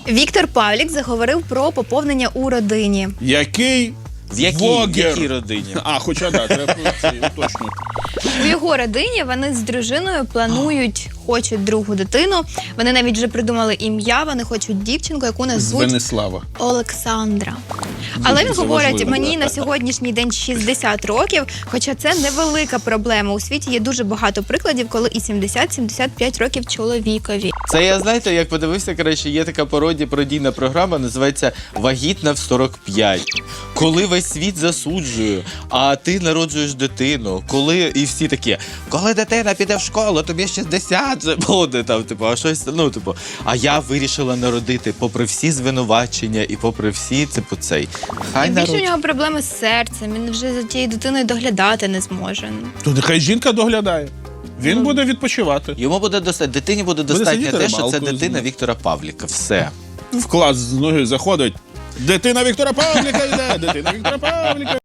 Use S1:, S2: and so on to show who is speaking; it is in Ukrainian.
S1: Віктор Павлік заговорив про поповнення у родині.
S2: Який
S3: В якій родині?
S2: А, хоча да, треба точно.
S1: У його родині вони з дружиною планують, хочуть другу дитину. Вони навіть вже придумали ім'я, вони хочуть дівчинку, яку назвуть
S2: Венеслава.
S1: Олександра. Але він
S2: це
S1: говорить,
S2: важливо.
S1: мені на сьогоднішній день 60 років, хоча це невелика проблема. У світі є дуже багато прикладів, коли і 70-75 років чоловікові.
S3: Це я, знаєте, як подивився, коротше, є така пародійна програма, називається «Вагітна в 45». Коли весь світ засуджує, а ти народжуєш дитину, коли і всі такі, коли дитина піде в школу, тобі 60 вже буде, там, типу, а щось, ну, типу, а я вирішила народити, попри всі звинувачення і попри всі, типу, цей. Хай
S1: Більше у
S3: народжує.
S1: нього проблеми з серцем, він вже за тією дитиною доглядати не зможе.
S2: То нехай жінка доглядає. Він буде відпочивати.
S3: Йому буде достатньо, дитині буде достатньо
S2: сидіти
S3: те, що це
S2: рибалкою
S3: дитина
S2: з ним.
S3: Віктора Павліка. Все.
S2: В клас з ноги заходить. Дитина Віктора Павліка йде! Дитина Віктора Павліка!